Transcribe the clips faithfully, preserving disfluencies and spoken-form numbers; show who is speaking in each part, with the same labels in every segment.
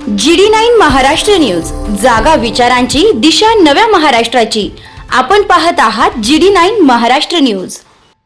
Speaker 1: जी D nine Maharashtra news, जागा विचारांची, दिशा नव्या महाराष्ट्राची. आपण पाहत आहात G D nine Maharashtra news.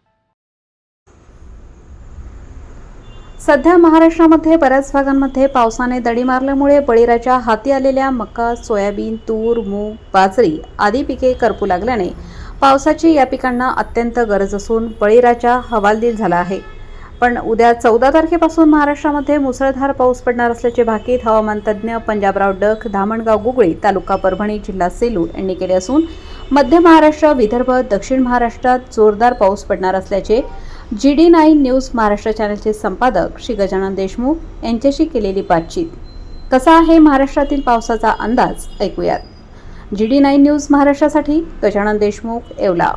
Speaker 2: सध्या महाराष्ट्रामध्ये बऱ्याच भागांमध्ये पावसाने दडी मारल्यामुळे बळीराच्या हाती आलेल्या मका, सोयाबीन, तूर, मूग, बाजरी आदी पिके करपू लागल्याने पावसाची या पिकांना अत्यंत गरज असून बळीराजा हवालदिल झाला आहे. पण उद्या चौदा तारखेपासून महाराष्ट्रामध्ये मुसळधार पाऊस पडणार असल्याचे भाकीत हवामान तज्ज्ञ पंजाबराव डक, धामणगाव गुगळी, तालुका परभणी, जिल्हा सेलू यांनी केले असून मध्य महाराष्ट्र, विदर्भ, दक्षिण महाराष्ट्रात जोरदार पाऊस पडणार असल्याचे G D nine news Maharashtra चॅनलचे संपादक श्री गजानन देशमुख यांच्याशी केलेली बातचीत. कसा आहे महाराष्ट्रातील पावसाचा अंदाज, ऐकूयात. जी डी नाईन न्यूज महाराष्ट्रासाठी गजानन देशमुख, येवला.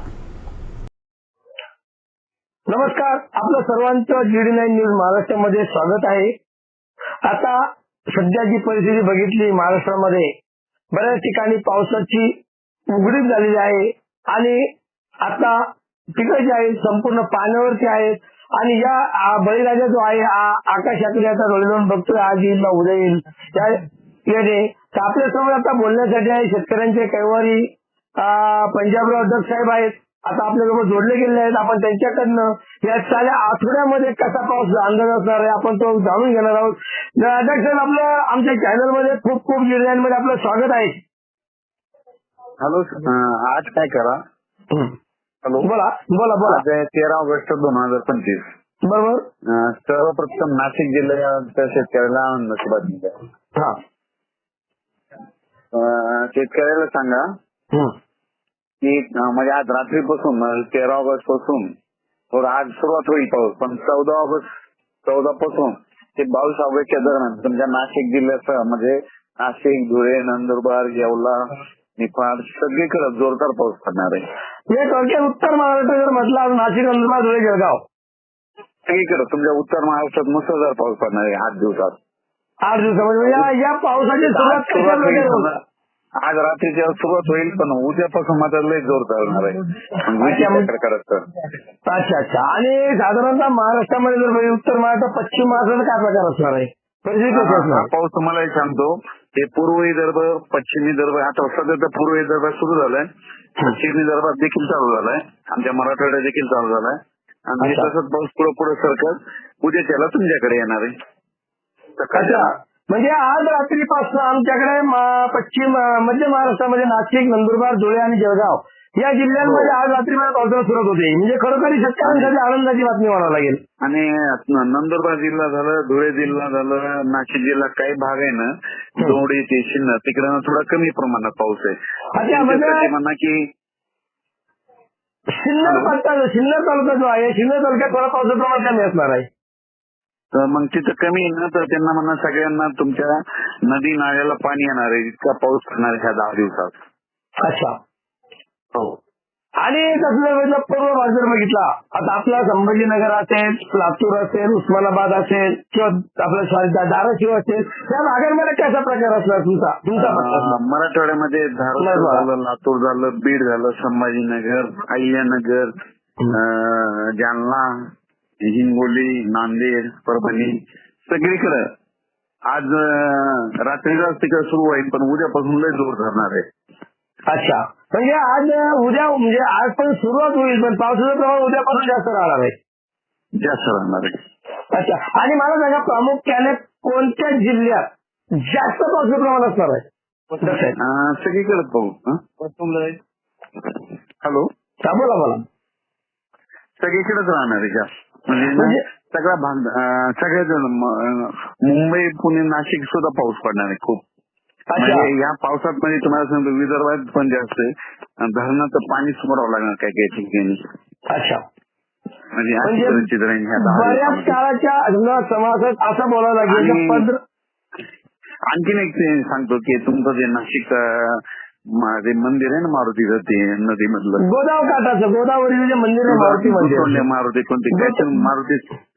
Speaker 3: नमस्कार, आपलं सर्वांचं जी डी नाईन न्यूज महाराष्ट्रामध्ये स्वागत आहे. आता सध्याची परिस्थिती बघितली, महाराष्ट्रामध्ये बऱ्याच ठिकाणी पावसाची उघडीप झालेली आहे आणि आता पिकं जी आहेत संपूर्ण पाण्यावरती आहेत. आणि या बळीराजा जो आहे आकाशाकडे आता डोळे लावून बघतोय, आज येईल ना उद्या येईल त्या येणे. तर आपल्यासमोर आता बोलण्यासाठी आहे शेतकऱ्यांचे कैवारी पंजाबराव डक साहेब आहेत. आता आपल्यासोबत जोडले गेले आहेत. आपण त्यांच्याकडनं या साऱ्या आठवड्यामध्ये कसा पाऊस अंदाज असणार आहे आपण तो जाणून घेणार आहोत. डक साहेब, आपलं आमच्या चॅनल मध्ये खूप खूप जी डी नाईन मध्ये आपलं स्वागत आहे.
Speaker 4: हॅलो, आज काय करा. हॅलो,
Speaker 3: बोला बोला बोला.
Speaker 4: तेरा ऑगस्ट दोन हजार पंचवीस
Speaker 3: बरोबर.
Speaker 4: सर्वप्रथम नाशिक जिल्ह्याच्या शेतकऱ्याला आनंदाची बातमी द्या.
Speaker 3: हा,
Speaker 4: शेतकऱ्याला सांगा की म्हणजे आज रात्रीपासून तेरा ऑगस्ट पासून आज सुरुवात होईल पाऊस, पण चौदा ऑगस्ट चौदा पासून ते बावीस ऑगस्टच्या दरम्यान तुमच्या नाशिक जिल्ह्याचं म्हणजे नाशिक, धुळे, नंदुरबार, येवला, निफाड सगळीकडे जोरदार पाऊस पडणार आहे.
Speaker 3: हे थोडक्यात उत्तर महाराष्ट्र जर म्हटलं नाशिक, नंदुरबार, धुळे, जळगाव
Speaker 4: सगळीकडे तुमच्या उत्तर महाराष्ट्रात मुसळधार पाऊस पडणार आहे आठ दिवसात.
Speaker 3: आठ दिवसामध्ये या या पावसाची सुरुवात कशा प्रकारे होणार?
Speaker 4: आज रात्रीच्या सुरुवात होईल, पण उद्यापासून मात्र लय जोर चालणार आहे.
Speaker 3: अच्छा अच्छा. आणि साधारणतः महाराष्ट्रामध्ये जर बघितलं, उत्तर महाराष्ट्र, पश्चिम महाराष्ट्रात काय प्रकार असणार आहे?
Speaker 4: पाऊस तुम्हाला सांगतो, ते पूर्व विदर्भ, पश्चिम विदर्भ, आता सध्या तर पूर्व विदर्भात सुरू झालाय, पश्चिम विदर्भात देखील चालू झालाय, आमच्या मराठवाड्यात देखील चालू झालाय. आणि तसंच पाऊस पुढे पुढे सरकत उद्या त्याला तुमच्याकडे येणार आहे.
Speaker 3: अच्छा, म्हणजे आज रात्रीपासून आमच्याकडे पश्चिम मध्य महाराष्ट्रामध्ये नाशिक, नंदुरबार, धुळे आणि जळगाव या जिल्ह्यांमध्ये आज रात्रीमध्ये पावसाला सुरुवात होते. म्हणजे खरोखर शेतकऱ्यांसाठी आनंदाची बातमी म्हणावं लागेल.
Speaker 4: आणि नंदुरबार जिल्हा झालं, धुळे जिल्हा झालं, नाशिक जिल्हा काही भाग आहे ना, दोडी ते शिन्नर तिकडे थोडा कमी प्रमाणात पाऊस आहे. म्हणा की
Speaker 3: सिन्नर पट्टा सिन्नर तालुका जो आहे, सिन्नर तालुक्यात थोडा पावसाचं प्रमाण कमी असणार आहे.
Speaker 4: तर मग तिथं कमी आहे ना, तर त्यांना म्हणा सगळ्यांना तुमच्या नदी नाल्याला पाणी येणार आहे, इतका पाऊस पडणार आहे ह्या दहा दिवसात.
Speaker 3: अच्छा, हो. आणि तसं पूर्व भाग जर बघितला, आता आपला संभाजीनगर असेल, लातूर असेल, उस्मानाबाद असेल किंवा आपला धाराशिव असेल, त्या भागांमध्ये कसा प्रकार असणार तुमचा तुमचा
Speaker 4: मराठवाड्यामध्ये धाराशिव झालं, लातूर झालं, बीड झालं, संभाजीनगर, अहिल्यानगर, जालना, हिंगोली, नांदेड, परभणी सगळीकडे आज रात्रीलाच तिकडे सुरू होईल, पण उद्यापासून लय जोर धरणार आहे.
Speaker 3: अच्छा, म्हणजे आज उद्या म्हणजे आज पण सुरुवात होईल, पण पावसाचं प्रमाण उद्यापासून जास्त राहणार आहे.
Speaker 4: जास्त राहणार आहे. अच्छा,
Speaker 3: आणि मला सांगा, प्रामुख्याने कोणत्या जिल्ह्यात जास्त पावसाचं प्रमाण असणार आहे?
Speaker 4: सगळीकडे पाहू. हॅलो,
Speaker 3: बोला बोला.
Speaker 4: सगळीकडेच राहणार आहे जास्त, म्हणजे सगळा भाग सगळ्याच मुंबई, पुणे, नाशिक सुद्धा पाऊस पडणार आहे खूप. म्हणजे या पावसात म्हणजे तुम्हाला सांगतो विदर्भात पण जास्त आहे, धरणाचं पाणी सोडावं लागणार काय काही ठिकाणी.
Speaker 3: अच्छा,
Speaker 4: म्हणजे
Speaker 3: बऱ्याच काळाच्या समाजात असं बोलावं लागेल.
Speaker 4: आणखीन एक सांगतो की तुमचं जे नाशिक ते मंदिर आहे ना मारुतीचं, ते नदी मधलं
Speaker 3: गोदाव काठाचं गोदावरी जे मंदिर आहे, मारुती मंदिर.
Speaker 4: मारुती कोणते काय मारुती,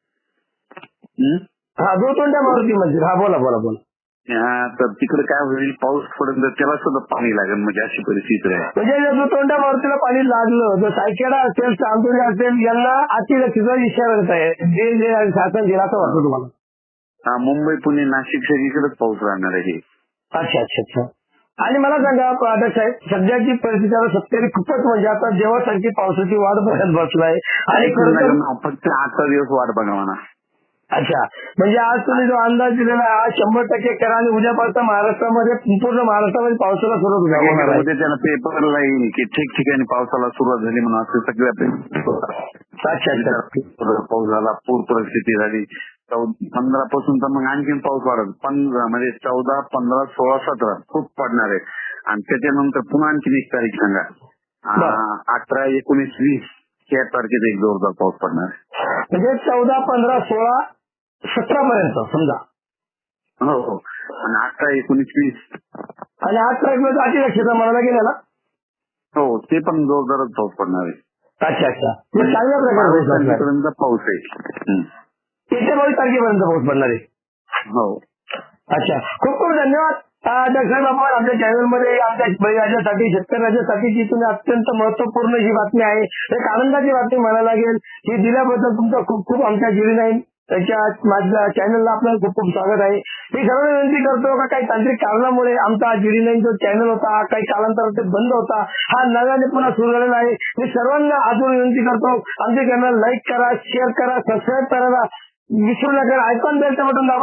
Speaker 3: हा दोतोंड्या मारुती मंदिर. हा बोला बोला बोला.
Speaker 4: तर तिकडे काय होईल, पाऊस पडेल त्याला सुद्धा पाणी लागेल, म्हणजे अशी परिस्थिती आहे.
Speaker 3: म्हणजे दोतोंड्या मारुतीला पाणी लागलं तर सायखेडा असेल, चांदोरी असेल, यांना अतिरक्षेचा इशारा देत आहे, जे शासन दिला असं वाटतं तुम्हाला?
Speaker 4: हा, मुंबई पुणे नाशिक सगळीकडेच पाऊस राहणार आहे.
Speaker 3: अच्छा अच्छा अच्छा. आणि मला सांगा आता साहेब, सध्याची परिस्थिती आता शेतकरी खूपच म्हणजे आता देवासारखी पावसाची वाट बघत बसलाय आणि खरं तर
Speaker 4: फक्त आजचा दिवस वाट बघा म्हणा.
Speaker 3: अच्छा, म्हणजे आज तुम्ही जो अंदाज दिलेला आहे आज शंभर टक्के करा आणि उद्यापासून महाराष्ट्रामध्ये पूर्ण महाराष्ट्रामध्ये पावसाला सुरुवात होणार आहे.
Speaker 4: उद्या त्याला पेपरला येईल की ठिकठिकाणी पावसाला सुरुवात झाली म्हणून असं सगळ्या
Speaker 3: अच्छा अच्छा.
Speaker 4: पाऊस झाला, पूर परिस्थिती झाली. पंधरा पासून तर मग आणखीन पाऊस वाढत. पंधरा म्हणजे चौदा पंधरा सोळा सतरा खूप पडणार आहे. आणि त्याच्यानंतर पुन्हा आणखीन एक तारीख सांगा, अठरा एकोणीस वीस या तारखेत एक जोरदार पाऊस पडणार आहे.
Speaker 3: म्हणजे चौदा पंधरा सोळा सतरा पर्यंत समजा.
Speaker 4: हो हो. आणि अठरा एकोणीस वीस
Speaker 3: आणि आठ तारखेला अतिदक्षता म्हणायला गेला ना.
Speaker 4: हो, ते पण जोरदारच पाऊस पडणार आहे.
Speaker 3: अच्छा अच्छा. चांगल्या प्रकारे
Speaker 4: पाऊस आहे.
Speaker 3: येत्या बावीस तारखेपर्यंत पाऊस पडणार आहे.
Speaker 4: हो.
Speaker 3: अच्छा, खूप खूप धन्यवाद डॉक्टर आपण आमच्या चॅनलमध्ये आमच्या बळीराजासाठी शेतकऱ्यासाठी जी तुम्ही अत्यंत महत्वपूर्ण ही बातमी आहे, एक आनंदाची बातमी म्हणायला लागेल, ही दिल्याबद्दल तुमचं खूप खूप आमच्या जीडी नाईन त्याच्या माझ्या चॅनलला आपलं खूप खूप स्वागत आहे. मी सर्व विनंती करतो का काही तांत्रिक कारणामुळे आमचा जीडी नाईन जो चॅनल होता काही कालांतराने बंद होता, हा नव्याने पुन्हा सुरू झालेला आहे. मी सर्वांना आजून विनंती करतो आमचे चॅनल लाईक करा, शेअर करा, सबस्क्राईब करायला विसरू नका. आयकॉन बेलचं बटन दाबा.